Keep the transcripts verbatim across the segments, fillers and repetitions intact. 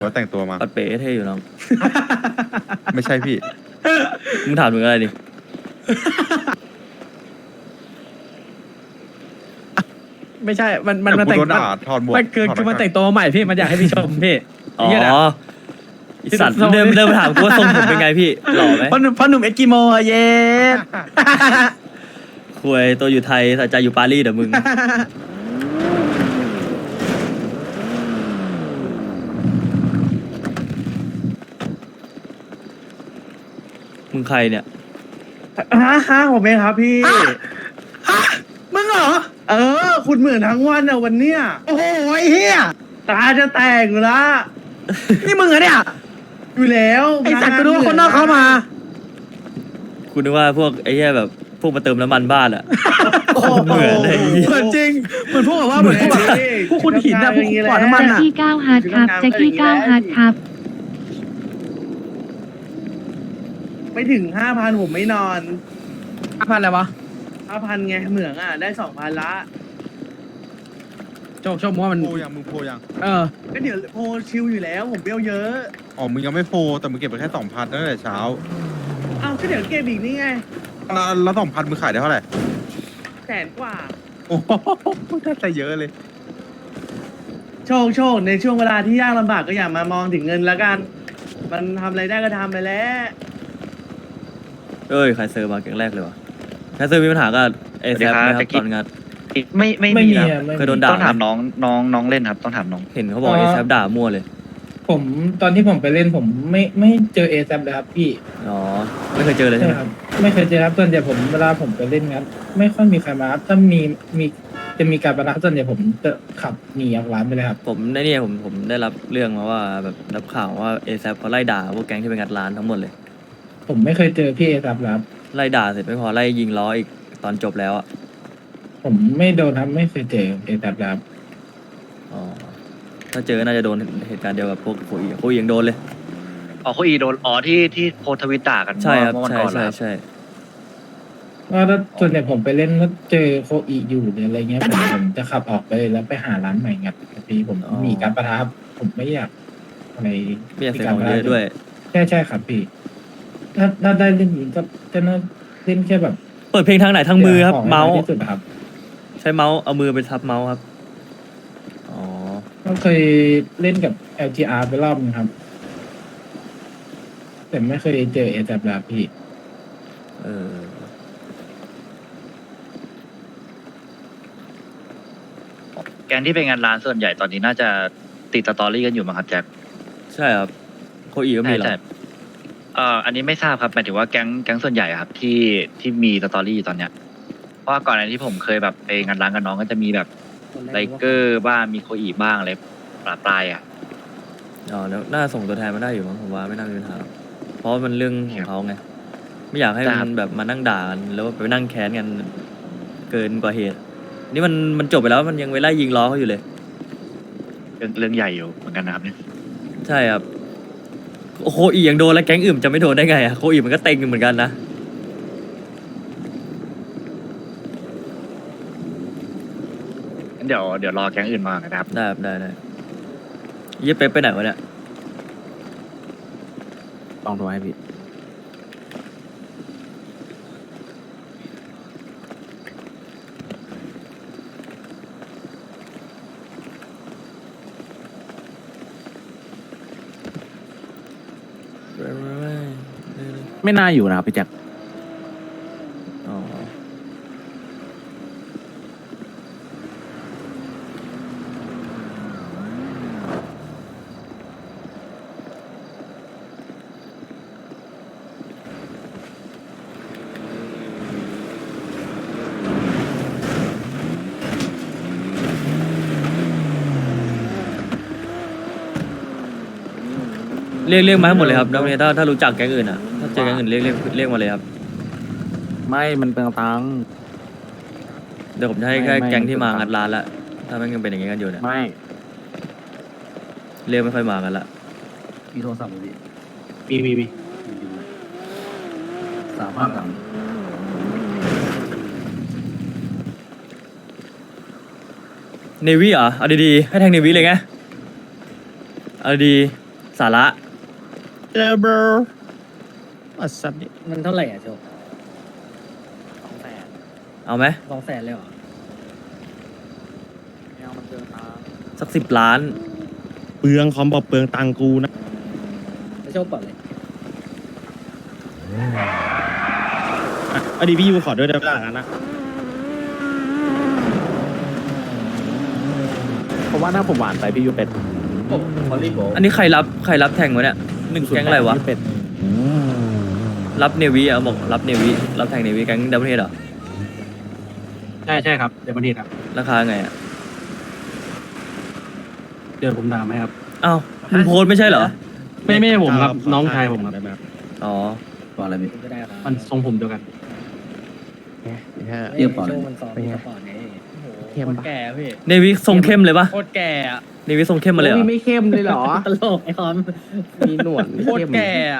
ว่าแต่งตัวมาปัดเป๋เท่อยู่น้องไม่ใช่พี่มึงถามมึงอะไรดิไม่ใช่ มันมันแต่มันกูแต่งโดนด่าถอดหมวกมันคือถอดคือมันหน้ากากแต่งตัวมาใหม่พี่มันอยากให้พี่ชมพี่อ๋อเหี้ยนะไอสัตว์เดิมเดิมมาถามกูว่าทรงผมเป็นไงพี่หล่อไหมพ่อหนุ่มพ่อหนุ่มเอ็กกิโมอะเย็ดคุยตัวอยู่ไทยแต่ใจอยู่ปารีสเดี๋ยวมึง มึงใครเนี่ยฮะฮะผมเองครับพี่มึงเหรอเออ คุณเหมือนทั้งวันอะวันเนี้ยโอ้โหไอ้เหี้ยตาจะแตกอยู่ละนี่มึงเหรอเนี่ยอยู่แล้วไอ้สัตว์กูรู้ว่าคนนอกเข้ามากูนึกว่าพวกไอ้เหี้ยแบบพวกมาเติมน้ำมันบ้านอะโอ้โหเหมือนเลยเหมือนจริงเหมือนพวกแบบว่าเหมือนพวกแบบพวกคุณหินอะพวกขวานน้ำมันแจ็คอะกี้เก้าฮาร์ดครับแจ็คกี้เก้าฮาร์ดครับไม่ถึงห้าพันผมไม่นอนพันอะไรวะห้าพันไงเหมืองอ่ะ ได้สองพันละโชคโชคมึงว่ามันโพยังมึงโพยังเออก็เดี๋ยวโพลชิลอยู่แล้ว ผมเบี้ยวเยอะอ๋อมึงยังไม่โพแต่มึงเก็บไปแค่สองพันตั้งแต่เช้าอ้าวก็เดี๋ยวเก็บอีกนี่ไงแล้วแล้วสองพันมึงขายได้เท่าไหร่แสนกว่าโอ้โหได้แต่เยอะเลยโชคโชคในช่วงเวลาที่ยากลำบากก็อย่ามามองถึงเงินแล้วกัน มันทำอะไรได้ก็ทำไปแล้วเอ้ยใครเซอร์มาเก่งแรกเลยวะใครเซอร์มีปัญหากับเอสวัสแซดีมครับไหมครัแจ็บคกี้ตอนงานไม่ไม่ไม่มีมีครับอะไม่เคยโดมีนด่าต้องถามน้องน้องน้องเล่นครับ ต้องถามน้องเห็นเขาบอกอ๋อเอแซมด่ามั่วเลยผมตอนที่ผมไปเล่นผมไม่ไม่เจอเอแซเลยครับพี่อ๋อ ไม่เคยเจอเลยใช่ใช่ไหมครับ ไม่เคยเจอครับส่วนใหญ่ผมเวลาผมไปเล่นครับไม่ค่อยมีใครมาครับถ้ามีมีจะมีการประทะส่วนใหญ่ผมจะขับหนีออกร้านไปเลยครับผมในนี่ผมผมได้รับเรื่องมาว่าแบบรับข่าวว่าเอแซเขาไล่ด่าพวกแก๊งที่ไปงัดร้านทั้งหมดเลยผมไม่เคยเจอพี่เอแซแล้วครับไล่ด่าเสร็จไม่พอไล่ยิงล้ออีกตอนจบแล้วอ่ะผมไม่โดนครับไม่เคยเจอเอแซแล้วครับอ๋อ ถ้าเจอน่าจะโดนเหตุการณ์เดียวกับพวกโคอีโคอียังโดนเลยอ๋อโคอีโดนอ๋อที่ที่โพสต์ทวิตด่ากันใช่ครับเมื่อวันใช่ก่อนใช่แล้วใช่ว่าถ้าส่วนใหญ่ผมไปเล่นแล้วเจอโคอีอยู่หรืออะไรเงี้ยผมผมจะขับออกไปเลยแล้วไปหาร้านใหม่งัดพี่ผมหนีการประทะครับผมไม่อยากอะไรไม่อยากเสียของเยอะด้วยใช่ใช่ครับพี่ ถ้าถ้าได้เล่นอย่างนี้ก็จะน่าเล่นแค่แบบเปิดเพลงทางไหนทางมือครับของให้เมาส์น้อยที่สุดครับใช้เมาส์เอามือไปทับเมาส์ครับ อ๋อก็เคยเล่นกับ แอล จี อาร์ ไปรอบนึงครับ แต่ไม่เคยเจอเอแซบลาพี่เออแกงที่ไปงานร้านส่วนใหญ่ตอนนี้น่าจะติดสตอรี่กันอยู่มั้งครับแจ็คใช่ครับ โคอีก็มีเหรอใช่เอ่ออันนี้ไม่ทราบครับหมายถึงว่าแก๊งแก๊งส่วนใหญ่อะครับที่ที่มีสตอรี่อยู่ตอนเนี้ยเพราะว่าก่อนหน้านี้ที่ผมเคยแบบไปงานร้านกับน้องก็จะมีแบบไลเกอร์บ้างมีโคอีบ้างอะไรปลาปลายอ่ะอ๋อแล้วน่าส่งตัวแทนมาได้อยู่มั้งผมว่าไม่น่ามีปัญหาหรอกเพราะมันเรื่องของเขาไง ไม่อยากให้มันแบบมานั่งด่ากันแล้วไปนั่งแค้นกันเกินกว่าเหตุ นี่มันมันจบไปแล้วมันยังไปไล่ยิงล้อเขาอยู่เลยเรื่องเรื่องใหญ่อยู่เหมือนกันนะครับเนี่ยใช่ครับโอ้โคอียังโดนแล้วแก๊งอื่นจะไม่โดนได้ไงอะโคอีมันก็เต็งเหมือนกันนะงั้นเดี๋ยวเดี๋ยวรอแก๊งอื่นมานะครับได้ครับได้ได้เยี่ยเป๊ปไปไหนวะเนี่ยลองโทรให้พี่ ไม่น่าอยู่นะครับพี่แจ็คอ๋อ เรียกเรียกมาให้หมดเลยครับแล้วเนี่ยถ้าถ้ารู้จักแก๊งอื่นอ่ะ ถ้าเจอแก๊งอื่นเรียกเรียกเรียกมาเลยครับไม่ มันเป็นตังค์เดี๋ยวผมจะให้ไม่แค่ไม่แก๊งที่มาไม่งัดร้านละถ้ามันยังเป็นอย่างงี้กันอยู่เนี่ยไม่เรียกไม่ค่อยมากันละมีโทรศัพท์ไหมพี่มีมีมีสามพันสามเนวี่เหรอเอาดีๆให้แทงเนวี่เลยไงเอาดีสาระเออเบอร์อัศจรรย์มันเท่าไหร่อ่ะโชคเอาไหมสองแสนเลยเหรอสักสิบล้านเปลืองคอมบอกเปลืองตังกูนะแล้วโชคก่อนเลยอ่ะอดีพี่ยูขอด้วยได้ไหมล่ะนะผมว่าถ้าผมหวานไปพี่ยูเป็ดอันนี้ใครรับใครรับแทงวะเนี่ยหนึ่งแก๊งอะไรวะพี่เป็ดรับเนวีอ่ะบอกรับเนวีรับแทงเนวีแก๊งดับเบิลเฮดเหรอใช่ใช่ครับเดี๋ยวมันทีครับราคาไงอ่ะเดี๋ยวผมถามให้ครับอ้าวมึงโพสต์ไม่ใช่เหรอไม่ไม่ผมครับน้องชายผมครับได้ไหครับอ๋อก็ได้ครับมันทรงผมเดียวกันเรียบร้อยโชคมันซ้อมมีสปอร์ตไงเข้มปะแก่พี่เนวีทรงเข้มเลยปะโคตรแก่อะเนวีทรงเข้มมาเลยเหรอไม่เข้มเลยเหรอตลกไอ้คอมมีหนวดโคตรแก่อะ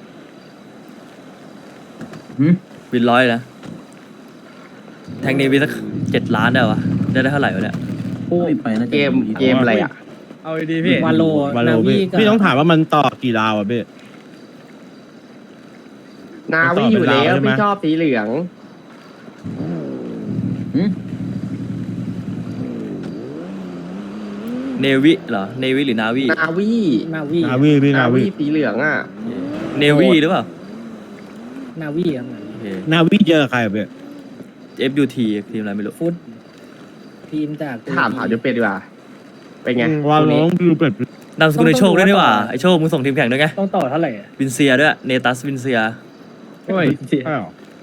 วินร้อยนะแทงเนวีสักเจ็ดล้านได้วะได้ได้เท่าไหร่วะเนี่ยเกมเกมอะไรอ่ะเอาดีๆพี่วาโลวาโลพี่พี่ต้องถามว่ามันต่อกี่ราวอ่ะพี่นาวิอยู่แล้วใช่ไหมพี่ชอบสีเหลืองเนวีเหรอเนวีหรือนาวีนาวินาวีนาวีพี่นานาวีวิสีเหลืองอ่ะเนวีหรือเปล่านาวีครับเหมือนโอเคนาวีเจอใครอ่ะพี่เอฟยูทีทีมอะไรไม่รู้ฟุตทีมจากถามถามยูเป็ดดีกว่าเป็นไงว่าน้องพี่ยูเป็ดนามสกุลไอโชคด้วยนี่หว่าไอโชคมึงส่งทีมแข่งด้วยไงต้องต่อเท่าไหร่อะวินเซียด้วยเนตัสวินเซียโอ้ยอ้าว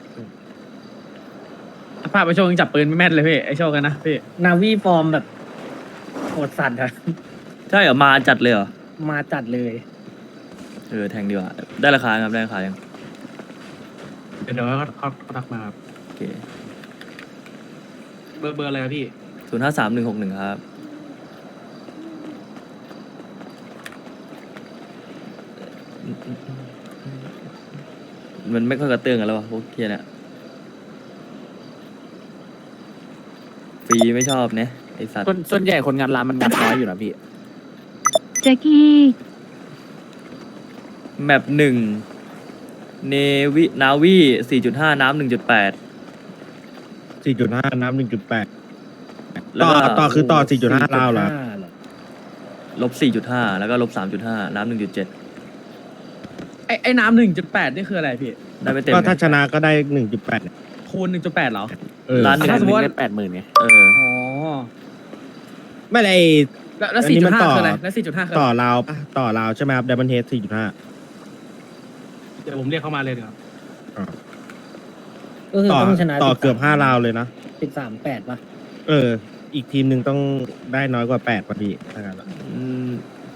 ภาพไอโชคยังจับปืนไม่แม่นเลยพี่ไอโชคกันนะพี่นาวีฟอร์มแบบโหดสัตว์อะใช่เหรอมาจัดเลยเหรอมาจัดเลยเออแทงดีกว่าได้ราคาครับได้ราคายังเดี๋ยวเขาเขาเขาทักมาครับโอเคเบอร์เบอร์อะไรครับพี่ศูนย์ห้าสามหนึ่งหกหนึ่งครับมันไม่ค่อยกระเตื้องกันแล้ววะพวกเคียเนี่ยฟรีไม่ชอบเนี่ยไอสัตว์ส่วนส่วนใหญ่คนงานร้านมันงานน้อยอยู่นะพี่แจ็คกี้แมปหนึ่งเนวินาวีสี่จุดห้าน้ำหนึ่งจุดแปดสี่จุดห้าน้ำหนึ่งจุดแปดแล้วต่อก็ต่อคือต่อสี่จุดห้าราวเหรอเหรอลบสี่จุดห้าแล้วก็ลบสามจุดห้าน้ำหนึ่งจุดเจ็ดไอไอน้ำหนึ่งจุดแปดนี่คืออะไรพี่ได้ไม่เต็มก็ถ้าไงชนะก็ได้หนึ่งจุดแปดคูณหนึ่งจุดแปดเหรอเออล้านหนึ่งถ้าสมมุติว่าได้แปดหมื่นไงเอออ๋อไม่ได้แล้วแล้วอันสี่นี้จุมัดนห้าต่อคืออะไรแล้วสี่จุดห้าคือต่ออะไรราวปะต่อราวใช่ไหมครับไดมอนเฮดสี่จุดห้าเดี๋ยวผมเรียกเขามาเลยเดี๋ยวครับก็คือต่อต้องชนะต่อเกือบห้าราวเลยนะสิบสามแปดป่ะเออ อีกทีมหนึ่งต้องได้น้อยกว่าแปดพอดีถ้างั้นอะอืม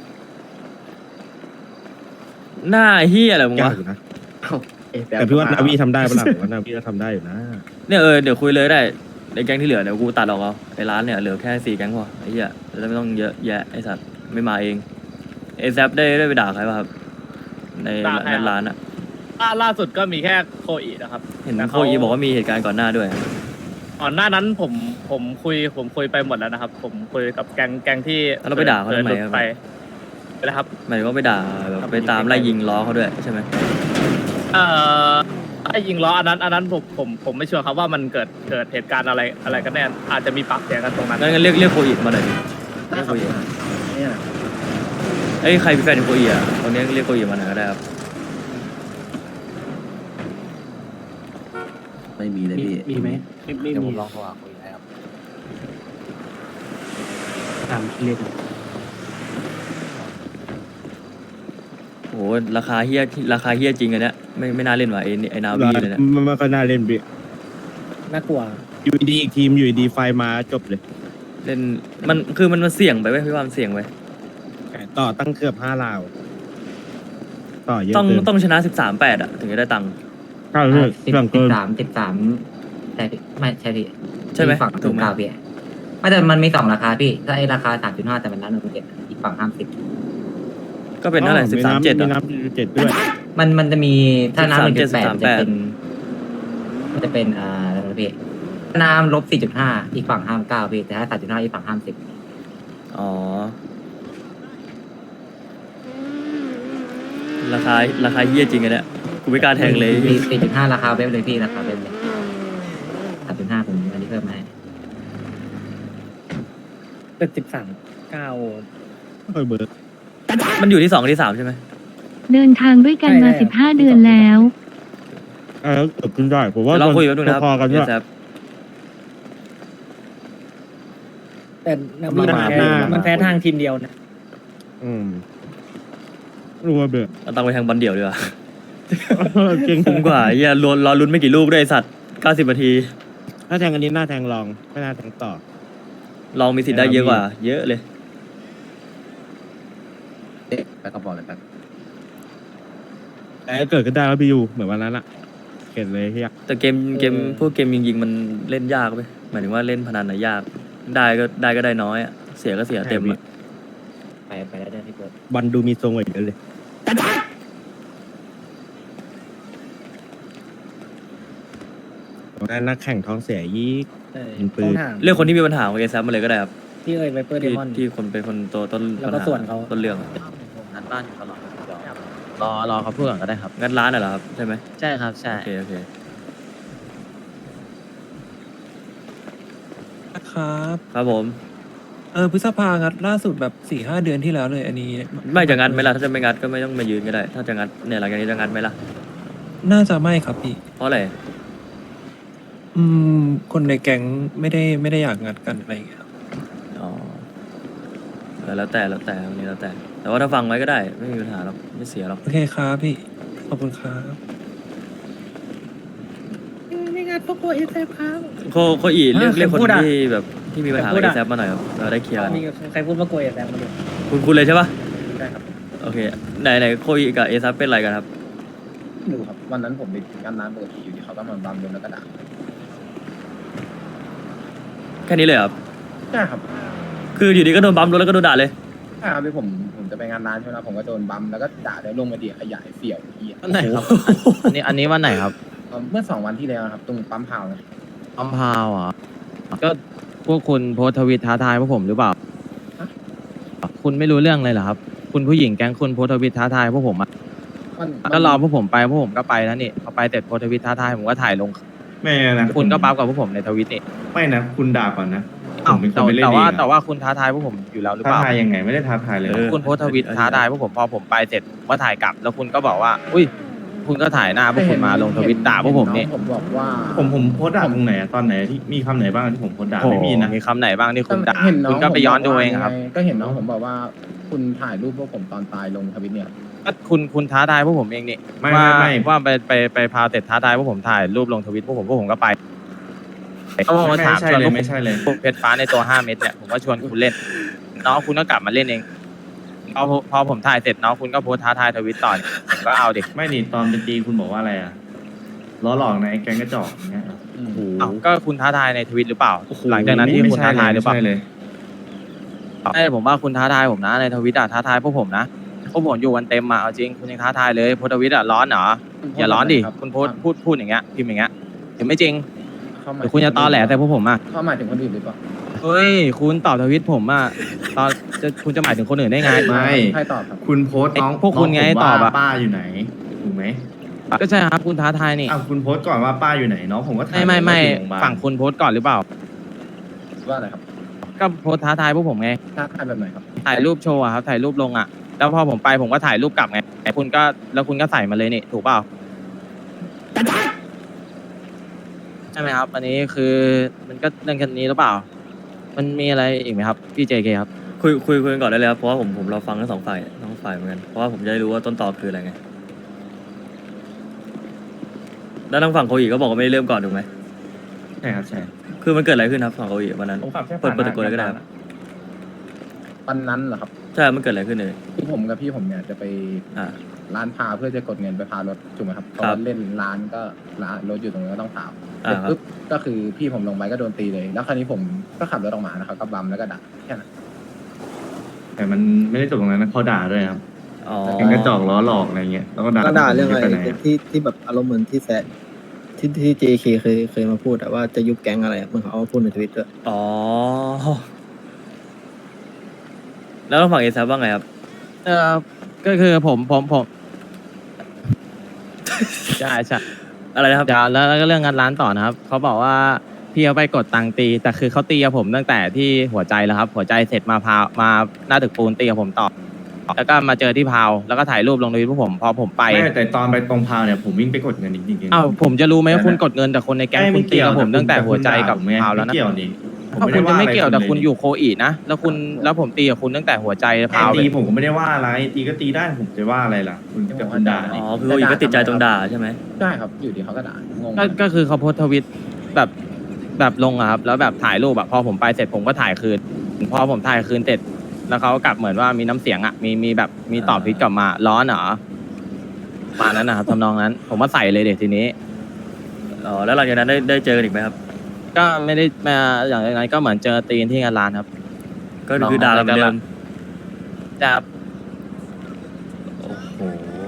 หน้าเฮียอะไรมึงะยากอยู่นะ แต่พี่ว่านาวีทำได้ปะล่ะผมว่านาวีก็ทำได้อยู่นะเนี่ยเออเดี๋ยวคุยเลยได้ไอ้แก๊งที่เหลือเดี๋ยวกูตัดออกเอาไอ้ร้านเนี่ยเหลือแค่สี่แก๊งพอไอ้เหี้ยจะไม่ต้องเยอะแยะไอ้สัตว์ไม่มาเองเอซได้ได้ไปด่าใครป่ะครับ ในด่าใครในครับร้านอะล่าล่าสุดก็มีแค่โคอีนะครับเห็นแต่โคเขาอีบอกว่ามีเหตุการณ์ก่อนหน้าด้วยก่อนหน้านั้นผมผมคุยผมคุยไปหมดแล้วนะครับ ผมคุยกับแกงแกงที่แล้วเราไปด่าเขาทำไมหลุดครับไปไปนะครับหมายถึงว่าไปด่าแบบไปตามไล่ยิงล้อเขาด้วยใช่ไหมเอ่อไอ้ยิงล้ออันนั้นอันนั้นผมผมผมไม่ชัวร์ครับว่ามันเกิดเกิดเหตุการณ์อะไรอะไรกันแน่อาจจะมีปากเสียงกันตรงนั้นงั้นงั้นเรียกเรียกโคอีมาหน่อยดิเรียกโคอีเอ้ยใครเป็นแฟนของโคอีอ่ะตอนนี้เรียกโคอีมาหน่อยก็ได้ครับไม่มีเลยมีพี่มีไหมไม่ไม่เดี๋ยวผมีมลองโทรหาคุยให้ครับตามที่เรียกโหราคาเฮี้ยราคาเฮี้ยจริงอันเนี้ยไม่ไม่น่าเล่นว่ะไอ้นี่ไอ้นาวีเลยเนี่ยมันมันก็น่าเล่นบิน่ากลัวอยู่ดีอีกทีมอยู่ดีไฟมาจบเลยเล่นมันคือมันมันเสี่ยงไปเว้ยพี่ว่ามันเสี่ยงไปต่อตั้งเกือบห้าราว ต่อเยอะต้องเกินต้องชนะสิบสามแปดอ่ะถึงจะได้ตังค์ถ้าเรื่องสิบเรื่องสิเกิบนสามสิบสามแต่พี่ไม่ใช่พี่ใช่ไหมอีกฝั่งถูถูกกไหมกล่าวพี่ไม่แต่มันมีสองราคาพี่ ถ้าไอ้ราคาสามจุดห้าแต่มันร้านหนึ่งเจ็ดอีกฝั่งห้ามสิบก็เป็นเท่าไหร่สิบสามเจ็ดมีอ่ะน้ำเจ็ดด้วยมันมันจะมีถ้าน้ำหนึ่งจุดแปดสิบสามจะเจ็ดเป็นมันจะเป็นอ่าอะไรนะพี่ถ้าน้ำลบสี่จุดห้าอีกฝั่งห้ามเก้าพี่แต่ถ้าสามจุดห้าอีกฝั่งห้ามสิบอ๋อราคาราคาเฮี้ยจริงอันเนี้ยกูไม่กล้าแทงเลยสี่จุดห้าราคาเว็บเลยพี่ราคาเว็บเลยสามจุดห้าผมอันนี้เพิ่มมาให้เป็นสิบสามเก้าค่อยเบิร์ดมันอยู่ที่สองกับที่สามใช่ไหมเดินทางด้วยกันมาใช่สิบห้าเดือนแล้วเออเกิดขึ้นได้ผมว่าเดี๋ยวเราคุยแป๊บนึงนะครับพอๆกันด้วยเอซแต่นาวีมันแพ้มันแพ้ทางทีมเดียวนะอืมรู้ว่าเบื่อเอาตังค์ไปแทงบอลเดี่ยวดีกว่าเก่งคุ้มกว่าเฮียรอรอลุ้นไม่กี่ลูกด้วยไอ้สัตว์เก้าสิบนาทีถ้าแทงอันนี้หน้าแทงรองไม่น่าแทงต่อลองมีสิทธิ์ได้เยอะกว่า เยอะเลยไปก็บอกเลยครับแต่เกิดขึ้นได้แล้วพี่ยูเหมือนวันนั้นอะเห็นเลยเฮียแต่เกมเกมพวกเกมยิงๆมันเล่นยากไปหมายถึงว่าเล่นพนันน่ะยาก ได้ก็ได้ก็ได้น้อยอะเสียก็เสียเต็มอะไปไปแล้วได้พี่เบิร์ดบอลดูมีทรงกว่าอีกเลยนักแข่งท้องเสียยี่เออยิงปืนต้องถามเรื่องคนที่มีปัญหาของเอซัมาเลยก็ได้ครับพี่เอ่ยไวเปอร์เดที่มอนที่คนเป็นคนตัวต้นแล้วก็ปัญหส่วนเขาต้นเรื่องอะนัดบ้านอยู่ตลอดรอรอเขาพูดก่อนก็ได้ครับงั้นร้านน่ะเหรอครับใช่ไหมใช่ครับใช่โอเคโอเคครับครับผมเออพฤษภางัดล่าสุดแบบสี่ห้าเดือนที่แล้วเลยอันนี้ไม่จะงัดไหมล่ะถ้าจะไม่งัดก็ไม่ต้องมายืนก็ได้ ถ้าจะงัดเนี่ยหลังจากนี้จะงัดไหมล่ะน่าจะไม่ครับพี่เพราะอะไรอืม คนในแก๊งไม่ได้ไม่ได้อยากงัดกันอะไรอย่างเงี้ยครับอ๋อเออแล้วแต่แล้วแต่วันนี้แล้วแต่ แต่ว่าถ้าฟังไว้ก็ได้ไม่มีปัญหาหรอกไม่เสียหรอกโอเคครับพี่ ขอบคุณครับไม่งานพวกโอเอสเอฟครับโคโคอีเรียกอ่ะเรียกคนใครพูดอะที่แบบที่มีปัญหาใครพูกับดเออะซัมาหน่อยครับเราได้เคลียร์กันมีใครพูดว่าโกยแซมมาดูคุณคุณเลยใช่ปะใช่ครับโอเคไหนไหนโคอีกับเอซัเป็นอะไรกันครับดูครับวันนั้นผมไปงานร้านปกติอยู่ที่เขาก็มาบัมโดนแล้วก็ด่าแค่นี้เลยเหรอครับใช่ครับคืออยู่ดีก็โดนบัมรถแล้วก็โดนด่าเลยใช่ครับที่ผมผมจะไปงานร้านใช่ไหมผมก็โดนบัมแล้วก็ด่าแล้วลงมาดีขยายเสี่ยวเหี้ยวันไหนครับ อันนี้อันนี้วันไหนครับเมื่อสองวันที่แล้วครับตรงปั๊มพาวนะอัมพาวเหรอก็พวกคุณโพสต์ทวิตท้าทายพวกผมหรือเปล่า คุณไม่รู้เรื่องเลยเหรอครับ คุณผู้หญิงแก๊งคุณโพสต์ทวิตท้าทายพวกผมอะมันก็รอพวกผมไปพวกผมก็ไปแล้วนี่พอไปเสร็จโพสต์ทวิตท้าทายผมก็ถ่ายลงไม่นะคุณก็ปั๊บกับพวกผมในทวิตนี่ไม่นะ คุณด่าก่อนนะผอ้าวมเป็นคแต่นไปเล่นแต่เองว่าอะแต่ว่าคุณท้าทายพวกผมอยู่แล้วหรือท้าเปล่าทายยังไงไม่ได้ท้าทายเลยเออคุณโพสต์ทวิตท้าทายพวกผมพอผมไปเสร็จผมก็ถ่ายกลับ แล้วคุณก็บอกว่า อุ้ย คุณก็ถ่ายหน้าพวกคุณมาลงทวิตด่าพวกผมนี่น้องผมบอกว่าผมผมโพสต์ด่าตรงไหนอะตอนไหนที่มีคำไหนบ้างที่ผมโพสต์ด่าโอ้โหไม่มีนะมีคำไหนบ้างที่คุณด่าเห็นน้องคุณก็ไปย้อนดูเองครับผมบกว่าไก็เห็นน้องผมบอกว่า คุณถ่ายรูปพวกผมตอนตายลงทวิตเนี่ยก็คุณคุณท้าทายพวกผมเองนี่ไม่ว่าไม่ไม่ว่าไปไปไปพาเสร็จท้าทายพวกผมถ่ายรูปลงทวิตพวกผมพวกผมก็ไปเขาบอกไม่ว่าถามใช่ชวนเลพวย กไม่ใช่เลยพวกเพชรฟ้าในตัวห้าเม็ดเนี่ยผมก็ชวนคุณเล่น น้องคุณก็กลับมาเล่นเองพอพอผมถ่ายเสร็จน้องคุณก็โพสต์ท้าทายทวิตต่อนี่ผมก็เอาดิไม่นี่ตอนเป็นตีคุณบอกว่าอะไรอะล้อหลอกในแก๊งกระจอกอย่างเงี้ยโอ้โหอ้าวก็คุณท้าทายในทวิตหรือเปล่าโอ้โหหลังจากนั้นที่ไม่คุณใช่ท้าเลยทายหรือเปล่าไม่ใช่เลยใช่ผมว่าคุณท้าทายผมนะในทวิตอะท้าทายพวกผมนะพวกผมอยู่วันเต็มอะเอาจริงคุณยังท้าทายเลยโพสต์ทวิตอะร้อนเหรออย่าร้อนดิคุณโพสต์พูดพูดอย่างเงี้ยพิมพ์อย่างเงี้ยถึงไม่จริงเข้ามาหรือคุณจะตอแหลแต่พวกผมอะเข้าหมายถึงคนอื่นหรือเปล่าเฮ้ยคุณตอบทวิตผมอะตอนจะคุณจะหมายถึงคนอื่นได้ไงไม่ใครตอบครับคุณโพสต์น้องไอ้พวกคุณไงน้ผมตอบอะว่าป้าอยู่ไหนถูกไหมก็ใช่ครับคุณท้าทายนี่อ้าวคุณโพสต์ก่อนว่าป้าอยู่ไหนน้องผมก็ถาไม่ไม่ไม่ว่าอยู่โรงพยาบาลฝั่งคุณโพสต์ก่อนหรือเปล่าว่าอะไรครับก็โพสต์ท้าทายพวกผมไงท้าทายแบบไหนครับถ่ายรูปโชว์อะครับถ่ายรูปลงอะแล้วพอผมไปผมก็ถ่ายรูปกลับไงแต่คุณก็แล้วคุณก็ใส่มาเลยนี่ถูกเปล่าใช่ไหมครับ อันนี้คือมันก็เรื่องแค่นี้หรือเปล่า มันมีอะไรอีกไหมครับพี่เจเคครับคุยคุยคุยกันก่อนได้เลยครับเพราะว่าผมผมเราฟังทั้งสองฝ่ายทั้งฝ่ายเหมือนกันเพราะว่าผมจะได้รู้ว่าต้นตอคืออะไรไงแล้วทางฝั่งโคอีก็บอกว่าไม่ได้เริ่มก่อนถูกไหมใช่ครับใช่คือมันเกิดอะไรขึ้นครับฝั่งโคอีวันนั้นผมขับแค่เปิดผ่านเปิดตะโกนเลยก็ได้ครับวันนั้นเหรอครับใช่มันเกิดอะไรขึ้นเลยที่ผมกับพี่ผมเนี่ยจะไปอ่าร้านพาเพื่อจะกดเงินไปพารถถูกไหมครับพครัอบ เล่นร้านก็ร้านรถอยู่ตรงนี้นก็ต้องพาอ่าเสร็จครับปุ๊บก็คือพี่ผมลงไปก็โดนตีเลย แล้วคราวนี้ผมก็ขับรถออกมานะครับก็บัมแล้วก็ด่าแค่นั้นแต่มันไม่ได้จบตรงนั้นนะเขาด่าด้วยครับอ๋อแก๊งกระจอกล้อหลอกอะไรเงี้ยแล้วก็ด่าก็ด่าเรื่องอะไรปหนอะที่ที่แบบอารมณ์เหมือนที่แซะที่ที่ เจ เค เคยเคยมาพูดอะว่าจะยุบแก๊งอะไรอะเหมือนเขาเอามาพูดในทวิตด้วยอ๋อแล้วทางฝั่งเอซับว่าไงครับเออก็คือผมผมผมใช่ใช่อะไรนะครับเดี๋ยวแล้วแล้วก็เรื่องงานร้านต่อนะครับเขาบอกว่าพี่เขาไปกดตังค์ตี แต่คือเขาตีกับผมตั้งแต่ที่หัวใจแล้วครับ หัวใจเสร็จมาพาวมาหน้าตึกปูนตีกับผมต่อ แล้วก็มาเจอที่พาวแล้วก็ถ่ายรูปลงในทวิตพวกผมพอผมไปไม่แต่ตอนไปตรงพาวเนี่ยผมวิ่งไปกดเงินจริงๆอ้าวผมจะรู้ไหมว่าคุณกดเงินแต่คนในแก๊งคุณตีกับผมตั้งแต่หัวใจกับพาวแล้วนะไม่เกี่ยวนี่ผมถ้าไม่คุได้ณว่าจะไม่อะไรเกี่ยวแต่ลคุณอยู่โคอีนะแล้วคุณแล้วผมตีกับคุณตั้งแต่หัวใจแต่พาวเลตียผมก็ไม่ได้ว่าอะไรตีก็ตีได้ผมจะว่าอะไรล่ะคุณกับคุณด่าอ๋นี่อคือโคอีก็ติดใจตรงด่าใช่ไหมใช่ครับอยู่ดีเขาก็ด่างงก็ก็คือเขาโพสต์ทวิตแบบแบบลงอะครับแล้วแบบถ่ายรูปแบบพอผมไปเสร็จผมก็ถ่ายคืนพอผมถ่ายคืนเสร็จแล้วเขาก็กลับเหมือนว่ามีน้ำเสียงอะมีมีแบบมีตอบทวิตกลับมาร้อนเหรอประมาณนั้นนะครับทำนองนั้น ผมก็ใส่เลยเด็กทีนี้อ๋อแล้วหลังจากนั้นได้ได้เจอกันอีกไหมครับก็ไม่ได้มาอย่างไรก็เหมือนเจอตีนที่งานร้านครับก็คือด่ากันเหมือนเดิมจะโอ้โห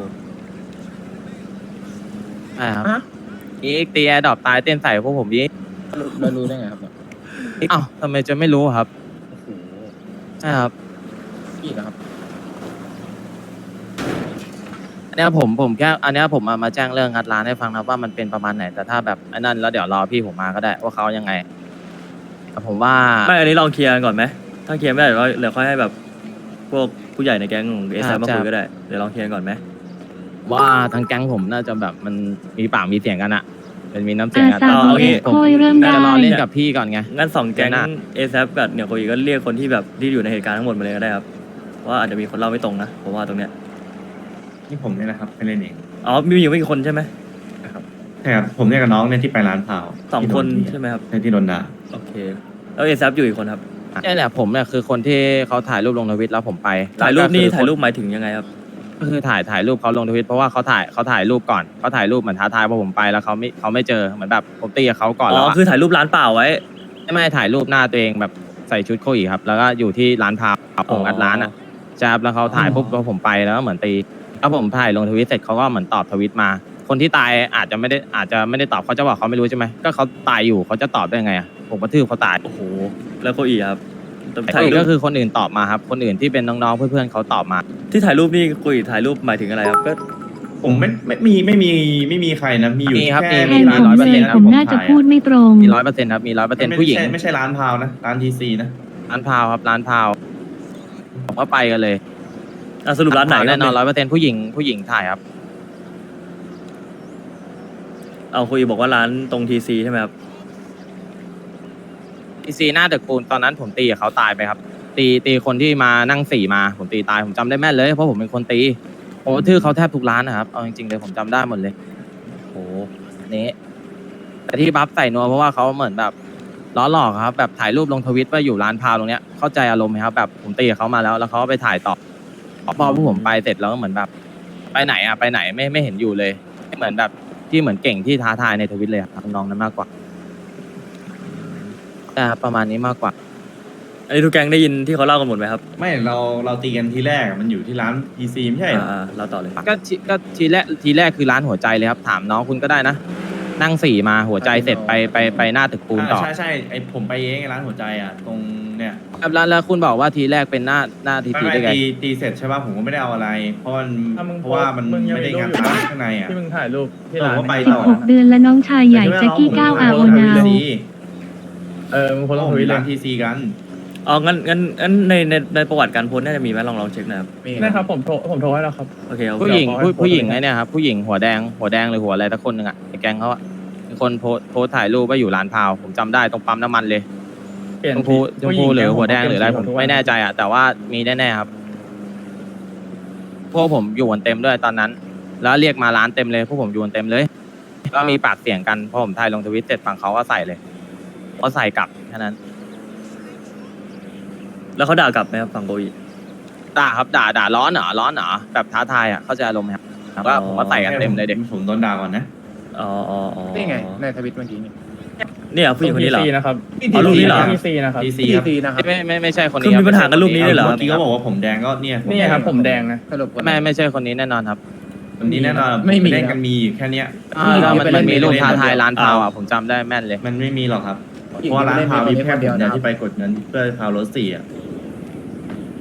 ใช่ครับอีกตีแอร์ดรอปตายเต้นใส่พวกผมยี่เรารู้ได้ไงครับอ้าวทำไมจะไม่รู้ครับใช่ครับพี่นะครับอันเนี้ยผมผมแค่อันเนี้ยผมมามาแจ้งเรื่องงัดร้านให้ฟังนะว่ามันเป็นประมาณไหนแต่ถ้าแบบไอ้นั่นแล้วเดี๋ยวรอพี่ผมมาก็ได้ว่าเขายังไงแต่ผมว่าไม่อันนี้ลองเคลียร์กันก่อนไหมถ้าเคลียร์ไม่ได้เดี๋ยวเดี๋ยวค่อยให้แบบพวกผู้ใหญ่ในแก๊งของเอสมาคุยก็ได้เดี๋ยวลองเคลียร์ก่อนไหมว่าทางแก๊งผมน่าจะแบบมันมีปากมีเสียงกันอะเป็นมีน้ำเสียงอากันซาเอาโบงี้เอสผมโคยเริ่มได้จะรอเล่นกับพี่ก่อนไงงั้นสองแก๊งเดี๋ยวนะเอสกับเนี่ยโคอีก็เรียกคนที่แบบที่อยู่ในเหตุการณ์ทั้งหมดมาเลยก็ได้ครับว่าอาจจะมีคนเล่าไม่ตรงนะผมว่าตรงเนี้ยนี่ผมเนี่ยนะครับไปเล่นเองอ๋อมีอยู่ไม่กี่คนใช่ไหมใช่ครับผมเนี่ยกับน้องเนี่ยที่ไปร้านพาวสองคนที่โดตีใช่ไหมครับใช่ที่โดนด่าโอเคแล้วเอสอยู่อีกคนครับใช่แหละผมเนี่ยคือคนที่เขาถ่ายรูปลงทวิตแล้วผมไปถ่ายรูปนี่แล้วก็คือถ่ายรูปหมายถึงยังไงครับก็คือถ่ายถ่ายรูปเขาลงทวิตเพราะว่าเขาถ่ายเขาถ่ายรูปก่อนเขาถ่ายรูปเหมือนท้าทายพอผมไปแล้วเขาไม่เขาไม่เจอเหมือนแบบผมตีกับเขาก่อนอ๋แล้วออะคือถ่ายรูปร้านเปล่าไว้ไม่ไม่ถ่ายรูปหน้าตัวเองแบบใส่ชุดโคอีครับแล้วก็อยู่ที่ร้านพาวผมอัดร้านอ่ะใช่ครับแล้วเขาถ่ายปุ๊บพอผมไปแล้วก็เหมือนตีแล้วผมถ่ายลงทวิตเสร็จเขาก็เหมือนตอบทวิตมา คนที่ตายอาจจะไม่ได้อาจจะไม่ได้ตอบเขาจะบอกเขาไม่รู้ใช่ไหมก็เขาตายอยู่เขาจะตอบได้ไงอ่ะผมกระทืบเขาตายโอ้โหแล้วโคอีครับถ่าถ่าย ยรูรูปปก็คือคนอื่นตอบมาครับคนอื่นที่เป็นน้องๆเพื่อนๆเขาตอบมาที่ถ่ายรูปนี่โคอีถ่ายรูปหมายถึงอะไรครับก็ผมไม่ไม่มีไม่มีไม่มีใครนะมีอยู่มีครับแค่แทมีนมีผมร้อยเปอร์เลเซ็นยต์ผมน่าจะพูดไม่ตรงมีร้อยเปอร์เซ็นต์ครับมีร้อยเปอร์เซ็นต์ไม่ผู้หญิงไม่ใช่ไม่ใช่ร้านพาวนะร้านทีซีนะร้านพาวครับร้านพาวผมก็ไปกันเลยอ่ะสรุปร้านไหนแน่นอนร้อยเปอร์เซ็นต์ผู้หญิงผู้หญิงถ่ายครับเอาโคอีบอกว่าร้านตรงทีซีใช่ไหมครับอีซีหน้าตึกปูนตอนนั้นผมตีกับเขาตายไปครับ ตีตีคนที่มานั่งสี่มาผมตีตายผมจำได้แม่นเลยเพราะผมเป็นคนตีผมทื่อเขาแทบทุกร้านนะครับเอาจริงๆเลยผมจำได้หมดเลยโอ้อันนี้แต่ที่บัฟใส่นัวเพราะว่าเขาเหมือนแบบล้อหลอกครับแบบถ่ายรูปลงทวิตว่าอยู่ร้านพาวตรงเนี้ยเข้าใจอารมณ์ไหมครับแบบผมตีกับเขามาแล้วแล้วเขาก็ไปถ่ายต่อพอพวกผมไปเสร็จแล้วก็เหมือนแบบ ไปไหนอะไปไหนไม่ไม่เห็นอยู่เลยเหมือนแบบที่เหมือนเก่งที่ท้าทายในทวิตเลยครับน้องนั้นมากกว่าแต่ประมาณนี้มากกว่าอันนี้ทุกแก๊งได้ยินที่เขาเล่ากันหมดไหมครับไม่เราเราตีกันทีแรกอะมันอยู่ที่ร้านทีซีไม่ใช่เหรออ่าเราต่อเลยก็ทีก็ทีแรกทีแรกคือร้านหัวใจเลยครับถามน้องคุณก็ได้นะนั่งสี่มาหัวใจเสร็จไปไปไปหน้าตึกปูนต่อใช่ใช่ไอผมไปเองไอ้ร้านหัวใจอ่ะตรงเนี่ยครับแล้วแล้วคุณบอกว่าทีแรกเป็นหน้าหน้าทีไม่ทีไม่ได้ไงตีตีเสร็จใช่ป่ะผมก็ไม่ได้เอาอะไร เพราะมันอ่ะมึงเพราะว่ามันมึงยังไม่ได้มีรูงานปอยู่ร้านนะข้างในอ่ะที่มึงถ่ายรูปที่เออร้านว่าไปสิบต่อหกเดือนและน้องชายใหญ่แจ็คกี้ก้าวอาโอนาวเออมึงโพสต์ลงททวิวิตตเลยร้านทีซีกันอ๋องั้นงั้นงั้นในในในประวัติการโพสต์น่าจะมีไหมลองลองเช็คนะครับนะครับผมโทรผมโทรให้แล้วครับโอเคโอเคผู้หญิงเดี๋ยวขอให้ผู้ผู้หญิงโพสต์ไอ้เนี่ยครับผู้หญิงหัวแดงหัวแดงหรือหัวอะไรสักคนหนึ่งอ่ะในแก๊งเขาอ่ะเป็นคนโพสโพสถ่ายรูปว่าอยู่ร้านพาวผมจำได้ตรงปั๊มน้ำมันเลยเปลี่ยนชมพูชมพูหรือหัวแดงหรืออะไรผมทุกวันไม่แน่ใจอ่ะแต่ว่ามีแน่ๆครับพวกผมอยู่กันเต็มด้วยตอนนั้น แล้วเรียกมาร้านเต็มเลยพวกผมอยู่กันเต็มเลยก็มีปากเสียงกันพอผมถ่ายลงทวิตเสร็จฝั่งเขาก็ใส่เลยเขาใส่กลับแค่นั้นแล้วเขาด่ากลับไหมครับฝั่งโคอีด่าครับด่าด่าร้อนเหรอร้อนเหรอแบบท้าทายอ่ะเข้าใจอารมณ์ไหมครับก็ผมก็ใส่กันเต็มเลยเด็กผมโดนด่าก่อนนะอ๋ออ๋ออ๋อนี่ไงในทวิตเมื่อกี้นี่เนี่ยผู้หญิงคนนี้เหรอทีซีนะครับอ๋อรูปนี้เหรอทีซีนะครับทีซีทีครับซีนะครับไม่ไม่ไม่ใช่คนคือนี้มีปัญหากันรูปนี้ด้วยเหรอเมื่อกี้ก็บอกว่าผมแดงก็เนี่ยนี่ครับผมแดงนะสรุปก่อนไม่ไม่ใช่คนนี้แน่นอนครับวันนี้แน่นอนไม่มีเล่นกันมีอยู่แค่เนี้ยอ่าแล้วมันมันมีรูปท้าทายร้านพาวอ่ะผมจำได้แม่นเลยมันไม่มีหรอกครับเพราะว่าร้านพาวมีแค่ผมเดียวที่ไปกดเงินเพื่อพาวรถสี่อ่ะ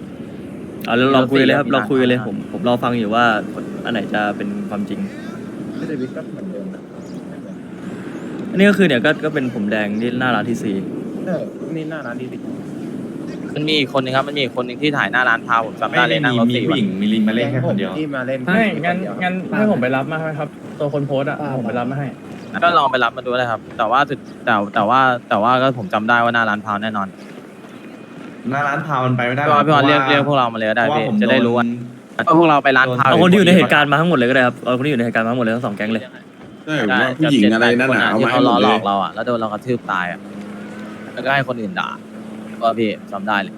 เอาแล้วเราคุยเลยครับเราคุยกันเลยผมผมรอฟังอยู่ว่าอันไหนจะเป็นความจริงที่เดวิดก็เหมือนเดิมนะไม่เหมือนอันนี้ก็คือเนี่ยก็ก็เป็นผมแดงที่หน้าร้านทีซีเออนี่หน้าร้านดีดิมันมีอีกคนนึงครับมันมีอีกคนนึงที่ถ่ายหน้าร้านพาผมจำไม่ได้เลได้ยนั่งรถมีสี่ผู้วัหญินงมีลินมาเล่นแค่คนเดียวที่มาเล่นใช่งั้นคเดียวงั้นให้ผมไปรับมาให้ครับ ตัวคนโพสต์อ่ะผมไปรับมาให้ก็ลองไปรับมาดูเลยครับ แต่ว่าสุดแต่แต่ว่าแต่ว่าก็ผมจำได้ว่าหน้าร้านพาวแน่นอนหน้าร้านพาวมันไปไม่ได้พี่บอลพี่บอลเรียกเรียกพวกเรามาเลยก็ได้เพราะว่าพี่ผมจะได้รู้ว่าพวกเราไปร้านพาวเอาคนที่อยู่ในเหตุการณ์มาทั้งหมดเลยก็ได้ครับเอาคนที่อยู่ในเหตุการณ์มาทั้งหมดเลยทั้งสองแก๊งเลยใช่ผมว่าผู้หญิงอะไรนั่นน่ะเอาที่มาให้เขาหมล้อดหลเลอย กเราอ่ะแล้วโดนเรากระทืบตายอ่ะแล้วก็ให้คนอื่นด่าก็พี่จำได้เลย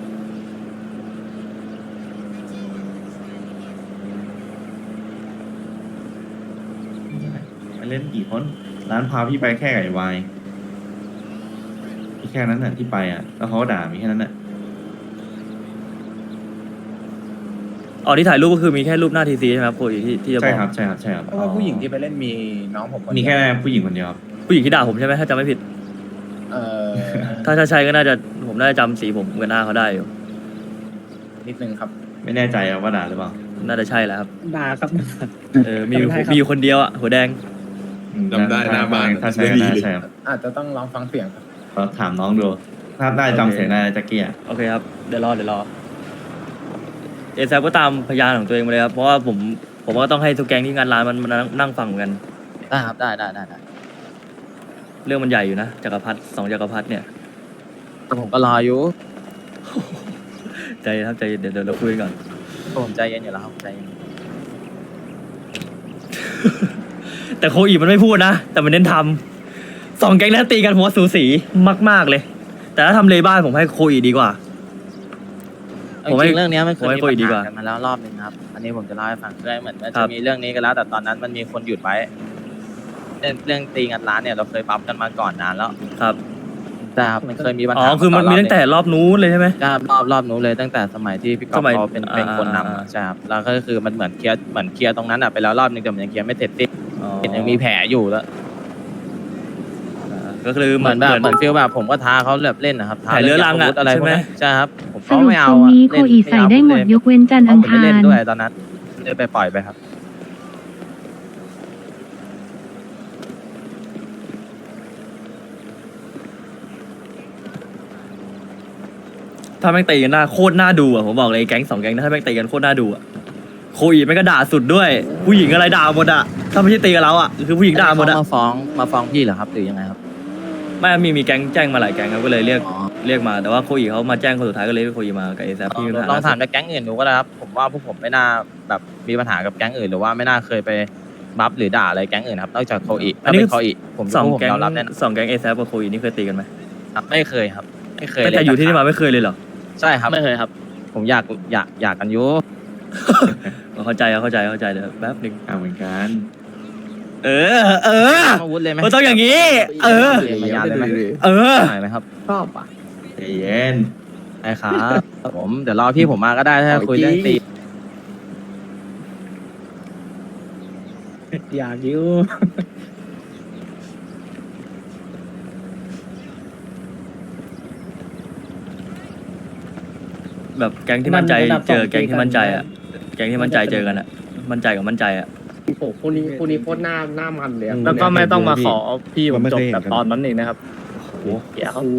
ไปเล่นกี่คนร้านพาวพี่ไปแค่ไก่วายแค่นั้นน่ะที่ไปอ่ะแล้วเขาก็ด่ามีแค่นั้นน่ะอ๋อที่ถ่ายรูปก็คือมีแค่รูปหน้าทีซีใช่ไหมครับโคอีที่ที่จะบใช่อกครับใช่ครับใช่ครับเพราะว่าผู้หญิงที่ไปเล่นมีน้องผมคนเดียวมีแค่ผู้หญิงคนเดียวครับผู้หญิงที่ด่าผมใช่ไหมถ้าจำไม่ผิดเออถ้าถ้าใช่ก็น่าจะผมน่าจะจำสีผมกับหน้าเขาได้อยู่นิดนึงครับไม่แน่ใจว่าด่าหรือเปล่าน่าจะใช่แหละครับด่าครับเออมีอยู่มีอยู่คนเดียวอ่ะหัวแดงจำได้หน้าบ้านถ้าใช่ไม่ดีน่าเลยใช่ครับอาจจะต้องลองฟังเสียงครับเราถามน้องดูถ้าได้จำเสียงได้จะเกียร์โอเคครับเดี๋ยวรอเดี๋ยวรอเอแซก็ตามพยานของตัวเองมาเลยครับเพราะว่าผมผมก็ต้องให้ทุกแก๊งที่งานร้านมันมันนั่งนั่งฟังเหมือนกันได้ครับได้ได้ได้ได้เรื่องมันใหญ่อยู่นะจักรพรรดิสองจักรพรรดิเนี่ยแต่ผมก็รออยู่ใจเย็นครับใจเย็นเดี๋ยวเดี๋ยวเราคุยกันก่อนผมใจเย็นอยู่แล้วครับใจเย็นแต่โคอีมันไม่พูดนะ แต่มันเน้นทำสองแก๊งนั้นตีกันหัวสูสีมาก ๆ เลย แต่ถ้าทำเลบ้านผมให้โคอีดีกว่าจผมให้ริงๆเรื่องเนี้ยมันเคยผมให้มีโคปัอีญดีกหาว่ากันมาแล้วรอบนึงครับ อันนี้ผมจะเล่าให้ฟังคือเหมือนมันครัจะบมีเรื่องนี้กันแล้ว แต่ตอนนั้นมันมีคนหยุดไว้เรื่องเรื่องตีงัดร้านเนี่ยเราเคยปั๊บกันมาก่อนนานแล้วครับแต่ครับมันเคยมีปัญอ๋หาอคือมันมีตั้งแต่รอบนู้นเลยใช่ไหมก็รอบรอบนู้นเลยตั้งแต่สมัยที่พี่กอสล์ฟมัยเขาเป็นเป็นอ่าคนนำอะใช่ครับแล้วก็คือมันเหมือนเคลียร์เหมือนเคลียร์ตรงนั้นอ่ะไปแล้วรอบนึงแต่มันยังเคลียร์ไม่เสร็จสิ้นอ๋อเห็นยังมีแผลอยู่แล้วอ่าก็คือเหมือนแบบเหมือนฟีลแบบผมก็ท้าเขาแบบเล่นนะครับท้าแผลเรื้อรังอะาวุธอะไรใช่พวกไหมนี้ใช่ครับผมสก็รุปไม่เอาตรงอะนี้โคเล่นอีใส่ได้หมดยกเว้นจันทร์อังผมไม่คาเล่นรด้วยตอนนั้นเลยไปปล่อยไปครับถ้าแม่งตีกันหน้าโคตรน่าดูอ่ะผมบอกเลยไอ้แก๊งสองแก๊งนะถ้าแม่งตีกันโคตรน่าดูอ่ะโคอีแม่งก็ด่าสุดด้วย ผู้หญิงอะไรด่าหมดอ่ะถ้าไม่ใช่ตีกับเราอ่ะคือผู้หญิงด่าหมดอ่ะเขมาฟ้องมาฟ้องพี่เหรอครับหรือยังไงครับไม่มีมีแก๊งแจ้งมาหลายแก๊งครับก็เลยเรียกอ๋อเรียกมาแต่ว่าโคอีเขามาแจ้งคนสุดท้ายก็เลยเรียกโคอีมากับเอแซที่มีปัญหาลองถามจากแก๊งอื่นดูก็ได้ครับผมว่าพวกผมไม่น่าแบบมีปัญหากับแก๊งอื่นหรือว่าไม่น่าเคยไปบัฟหรือด่าอะไรแก๊งอื่นครับนอกจากโคอีถ้าเป็นโคอีผมสองผมแก๊งยอมรับแน่นอนสองแก๊งเอแซกับโคอีนี่เคยตีกันไหมครับไม่เคยครับ ไม่เคยตั้งแต่อยู่ที่นี่มาไม่เคยเลยเหรอใช่ครับไม่เคยครับผมอยากอยากอยากกันอยุเข้าใจเข้าใจเข้าใจเดี๋ยวแป๊บหนึงอ่าเหมือนกันเออ เอออาวุธเลยไหมมันต้องอย่างนี้ เออพยานเลยไหมเออหน่อยไหมครับชอบอ่ะใจเย็นไอ้ครับผมเดี๋ยวรอพี่ผมมาก็ได้ถ้าคุยเรื่องตีอยากอยู่แบบแก๊งที่มั่นใจมันระดับเจอสองแก๊งที่มั่นใจอ่ะตีกันแก๊งที่มั่นใจเจอกันอ่ะ มั่นใจกับมั่นใจอ่ะโอ้โหคู่นี้คู่นี้โคตรหน้าหน้ามันเลยอะแล้วก็ไม่ต้องมาขอพี่ผมไม่จเคบยเห็นแบบกันตอนนั้นเองนะครับเดี๋ยวโอ้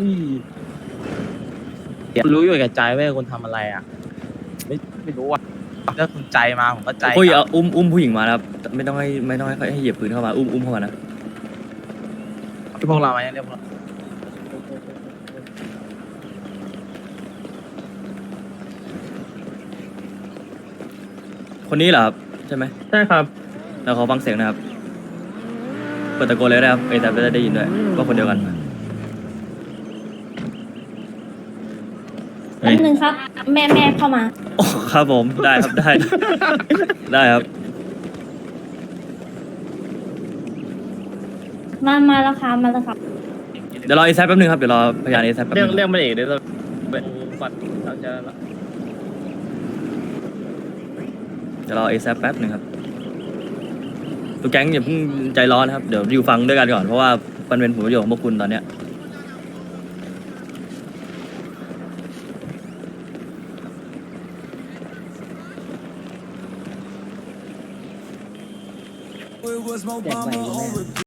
ยรู้อยู่กับใจเว้ยคุณทำอะไรอ่ะ ไม่ไม่รู้อ่ะถ้าคุณใจมาผมก็ใจคุยเอาอุ้มอุ้มผู้หญิงมานะครับ ไม่ต้องให้ไม่ต้องให้ให้เหยียบปืนเข้ามา อุ้มอุ้มเข้ามานะที่พวกเราไหมเรียกพวกเราคนนี้เหรอครับใช่ไหมใช่ครับแล้วเขาฟังเสียงนะครับ เปิดตะโกนเลยนะครับเอแซจะได้ยินด้วยว่าคนเดียวกันเฮ้ยหนึ่งครับ แม่แม่เข้ามาโอ้ครับผมได้ครับได้ ได้ครับมามาแล้วครับมาแล้วครับเดี๋ยวรอเอแซแป๊บนึงครับ เดี๋ยวรอพยานเอแซแป๊บเรีนึยกงเรียกมันเอกเดี๋ยวเราฟันเราจะเดี๋ยวรอเอแซแป๊บนึงครับตัวแก๊งอย่าเพิ่งใจร้อนนะครับ เดี๋ยวอยู่ฟังด้วยกันก่อน เพราะว่ามันเป็นผลประโยชน์ของพวกคุณตอนเนี้ยแจกใบอยู่แม่